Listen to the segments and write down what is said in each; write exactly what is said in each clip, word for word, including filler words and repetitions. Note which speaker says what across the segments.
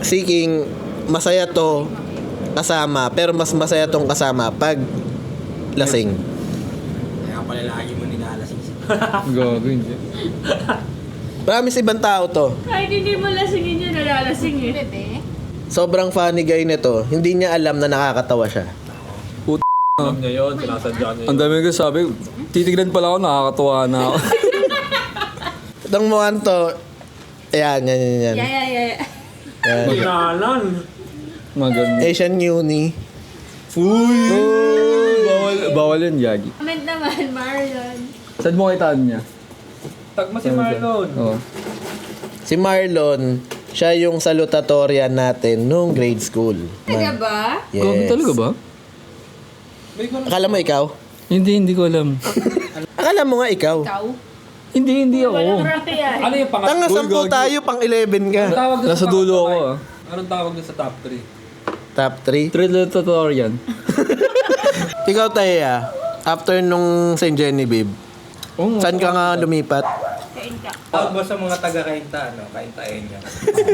Speaker 1: seeking, masaya to kasama, pero mas masaya tong kasama pag lasing.
Speaker 2: Kaya pala lagi mo nilalasing siya.
Speaker 3: Gago, hindi.
Speaker 1: Promise, ibang tao to.
Speaker 4: Kahit hindi mo lasingin yun, nalalasing eh.
Speaker 5: Bebe.
Speaker 1: Sobrang funny guy nito. Hindi niya alam na nakakatawa siya.
Speaker 3: Alam niya yun, sinasadya niya yun. Ang dami ko sabi, titignan pala ako, nakakatuwa na ako.
Speaker 1: Itong mukhang to, ayan, yan, yan, yan.
Speaker 4: Yeah, yeah, yeah.
Speaker 1: Yan.
Speaker 2: Kinalan.
Speaker 3: Maganda.
Speaker 1: Asian Uni.
Speaker 3: Uy! Bawal, bawal yun, Yagi.
Speaker 4: Comment naman, Marlon.
Speaker 3: Saan mo kitaan niya?
Speaker 2: Tagma si Marlon.
Speaker 3: Oo.
Speaker 1: Si Marlon, siya yung salutatorian natin nung grade school.
Speaker 4: Talaga ba?
Speaker 1: Yes.
Speaker 3: Gago talaga ba?
Speaker 1: Akala mo ikaw?
Speaker 3: Hindi, hindi ko alam.
Speaker 1: Akala mo nga ikaw.
Speaker 4: Ikaw?
Speaker 3: hindi, hindi ako.
Speaker 4: Walang rate yan.
Speaker 2: Ano yung pangat?
Speaker 1: Tanga, sampu tayo, pang eleven ka.
Speaker 2: Tawag doon
Speaker 3: Nasa
Speaker 2: sa
Speaker 3: dulo
Speaker 2: top
Speaker 3: ako
Speaker 2: five?
Speaker 3: ah.
Speaker 2: Anong tawag doon sa top three?
Speaker 1: Top three.
Speaker 3: Thriller tutorial.
Speaker 1: Ikaw, Taya, after nung Saint Genevieve,
Speaker 3: Oh,
Speaker 1: saan ka nga lumipat?
Speaker 4: Kain ka.
Speaker 2: Tawag ba sa mga taga-kainta, ano? Kaintahin niya.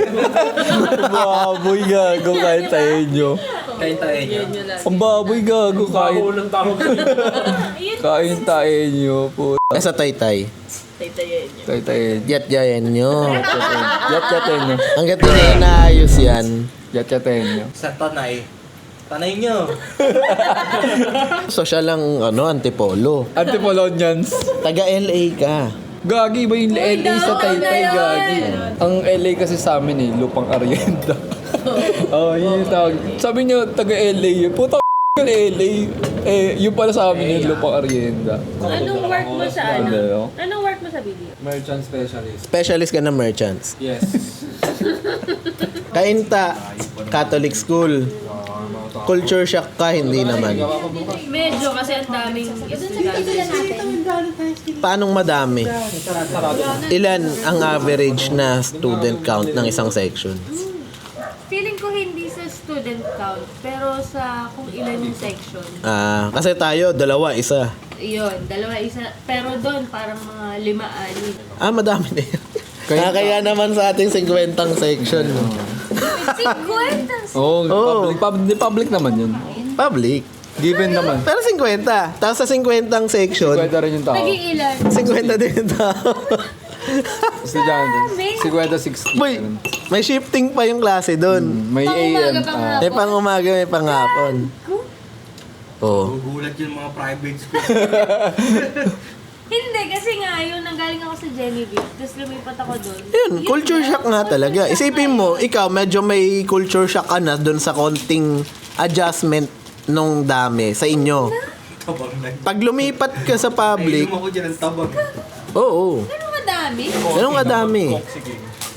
Speaker 3: baboy gago kahit tayo nyo.
Speaker 2: Kaintahin niya.
Speaker 4: Yun yun lang.
Speaker 3: Ang baboy gago kahit
Speaker 2: Unang tawag
Speaker 4: Ayun.
Speaker 3: kain tayo nyo po.
Speaker 1: Eh, sa Taytay.
Speaker 4: Taytayin niyo.
Speaker 3: Tayo tayo.
Speaker 1: Yat-yayan nyo.
Speaker 3: Yat yatin nyo.
Speaker 1: Hanggat hindi na inaayos yan.
Speaker 3: Yat yatin nyo.
Speaker 2: Sa tanay. Tanay niyo.
Speaker 1: So, siya lang, ano, antipolo.
Speaker 3: Antipolonians.
Speaker 1: Taga-L A ka.
Speaker 3: Gagi ba yung L A sa
Speaker 4: daw,
Speaker 3: Taytay
Speaker 4: ano
Speaker 3: gagi? Ang L A kasi sa amin eh, lupang Arienda. Oo, oh, yun yung tawag. Sabi niyo, taga-L A yun. Puta yung L A. Eh, yun pala sa amin yung lupang Arienda.
Speaker 4: Anong work mo sa ano?
Speaker 3: Ano?
Speaker 4: Anong work mo sa video?
Speaker 2: Merchant specialist.
Speaker 1: Specialist ka na merchants.
Speaker 2: Yes.
Speaker 1: Kainta, Catholic school. Culture shock ka, hindi naman.
Speaker 4: Medyo kasi ang daming estudyante.
Speaker 1: Paanong madami? Ilan ang average na student count ng isang section?
Speaker 4: Feeling ko hindi sa student count, pero sa kung ilan yung section.
Speaker 1: Ah, kasi tayo, dalawa, isa.
Speaker 4: Yun, dalawa isa. Pero doon parang mga lima-ani.
Speaker 1: Ah, madami na yun. Kaya, kaya naman sa ating singkwentang section.
Speaker 4: Sigwentas!
Speaker 3: Oo,
Speaker 1: Oo.
Speaker 3: public, public, public naman yun.
Speaker 1: Public.
Speaker 3: Given naman.
Speaker 1: Pero singkwenta. Tapos sa singkwentang section,
Speaker 3: Kwenta rin yung tao.
Speaker 4: Naging ilan?
Speaker 1: singkwenta din yung tao.
Speaker 3: Estudyante. Kwenta sixty.
Speaker 1: Boy, may shifting pa yung klase doon.
Speaker 3: May A M.
Speaker 4: Pang-umaga, pang-
Speaker 3: ah.
Speaker 1: May pang umaga, may pang hapon. Oh.
Speaker 2: Gugulat yung mga private school.
Speaker 4: Hindi, kasi nga, yun, nanggaling ako sa Genevieve, tapos lumipat ako doon.
Speaker 1: Yun, culture shock nga talaga. Isipin mo, ikaw medyo may culture shock ka na doon sa konting adjustment nung dami sa inyo.
Speaker 2: Tabang na.
Speaker 1: Pag lumipat ka sa public,
Speaker 2: Nainom ako dyan ng tabang.
Speaker 1: oo.
Speaker 4: Ano madami?
Speaker 1: Ganun kadami.
Speaker 2: Sige.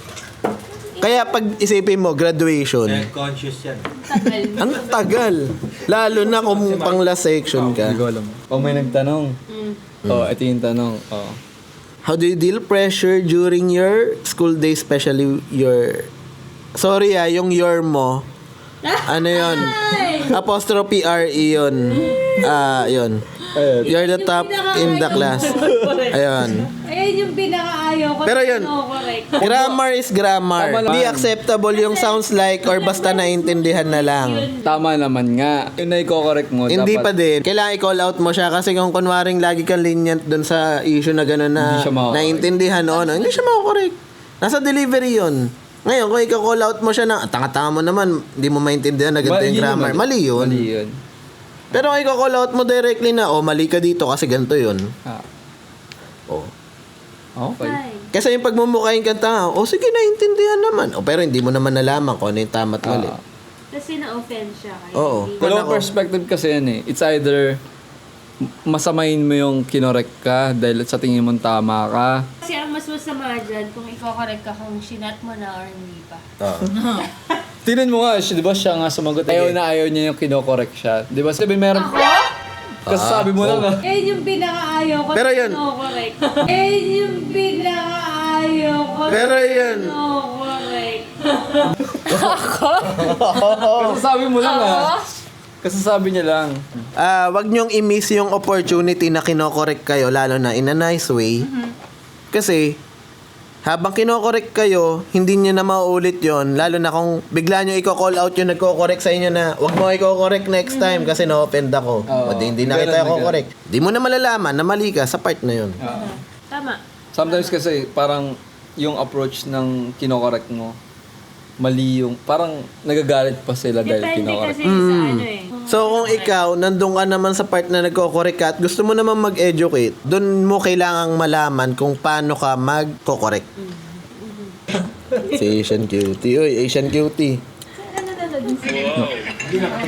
Speaker 1: Kaya pag isipin mo, graduation,
Speaker 2: Health conscious yan.
Speaker 4: Tagal.
Speaker 1: ang tagal. Lalo na kung pang last section
Speaker 3: Hindi
Speaker 1: ka.
Speaker 3: ko alam. O may nagtanong.
Speaker 4: Mm.
Speaker 3: Oh, ito yung tanong. Oh.
Speaker 1: How do you deal pressure during your school day, especially your... Sorry ah, yung your mo. Ano yun? Apostrophe R E yun. Ah, yun. You're the top in the class. Ayun.
Speaker 4: Ayun yung pinakaayaw ko.
Speaker 1: Pero yun,
Speaker 4: No, correct.
Speaker 1: grammar is grammar.
Speaker 3: Tama lang.
Speaker 1: Hindi acceptable yung sounds like or basta naintindihan na lang.
Speaker 3: Tama naman nga. Yung na-correct mo.
Speaker 1: Hindi
Speaker 3: dapat,
Speaker 1: pa din. Kailangan i-call out mo siya kasi kung kunwaring lagi kang lenient dun sa issue na gano'n na
Speaker 3: Hindi siya mako-correct.
Speaker 1: naintindihan o ano, hindi siya mako-correct. Nasa delivery yun. Ngayon, kung i-call out mo siya na, tanga-tanga mo naman, hindi mo maintindihan na ganito yung
Speaker 3: Mali yun
Speaker 1: grammar.
Speaker 3: naman.
Speaker 1: Mali yun.
Speaker 3: Mali yun.
Speaker 1: Pero kung i-call out mo directly na, oh, mali ka dito kasi ganito yun.
Speaker 3: Ah.
Speaker 1: Oh.
Speaker 3: Okay.
Speaker 4: Ay.
Speaker 1: Kasi yung pagmumukhain kang tanga, oh sige, naintindihan naman. Oh, pero hindi mo naman nalaman kung ano yung tama at mali.
Speaker 3: Ah.
Speaker 4: Kasi na-offend siya. Kaya
Speaker 1: Oo.
Speaker 4: hindi-
Speaker 3: Dalawang
Speaker 1: Ako-
Speaker 3: perspective kasi yan eh. It's either masamain mo yung kinorek ka dahil sa tingin mong tama ka.
Speaker 4: Kasi ang mas masama dyan, kung i-correct ka kung sinat mo na or hindi pa.
Speaker 1: Oh.
Speaker 3: Tingnan mo nga, siya, di ba siya nga sumagot? Ayaw na ayaw niya yung kinokorek siya. Di ba? Sabi meron... Kasi sabi mo lang ah.
Speaker 4: Eh, yung pinakaayaw ko.
Speaker 1: Pero yun-
Speaker 4: No, correct. Eh, yung pinakaayaw ko.
Speaker 1: Pero yun.
Speaker 4: No, correct.
Speaker 3: Kasi sabi mo lang ah. Kasi sabi niya lang.
Speaker 1: Ah, wag niyong i-miss yung opportunity na kinokorek kayo lalo na in a nice way. Kasi habang kinokorek kayo, hindi nyo na mauulit yon, lalo na kung bigla nyo i-call out yung nagko-correct sa inyo na wag mo i-correct next time kasi na-offend ako.
Speaker 3: Oo.
Speaker 1: O di, hindi na
Speaker 3: Ganun
Speaker 1: kita
Speaker 3: na ganun.
Speaker 1: i-correct. Di mo na malalaman na mali ka sa part na yun.
Speaker 4: Tama.
Speaker 3: Sometimes kasi parang yung approach ng kinokorek mo, mali yung, parang nagagalit pa sila dahil
Speaker 4: Depende
Speaker 3: kinokorek.
Speaker 4: kasi sa ano eh.
Speaker 1: So kung ikaw, nandun ka naman sa part na nagko-correct ka at gusto mo naman mag-educate, dun mo kailangang malaman kung paano ka mag-correct. Si Asian Cutie. Uy, Asian Cutie.
Speaker 4: Ano na naging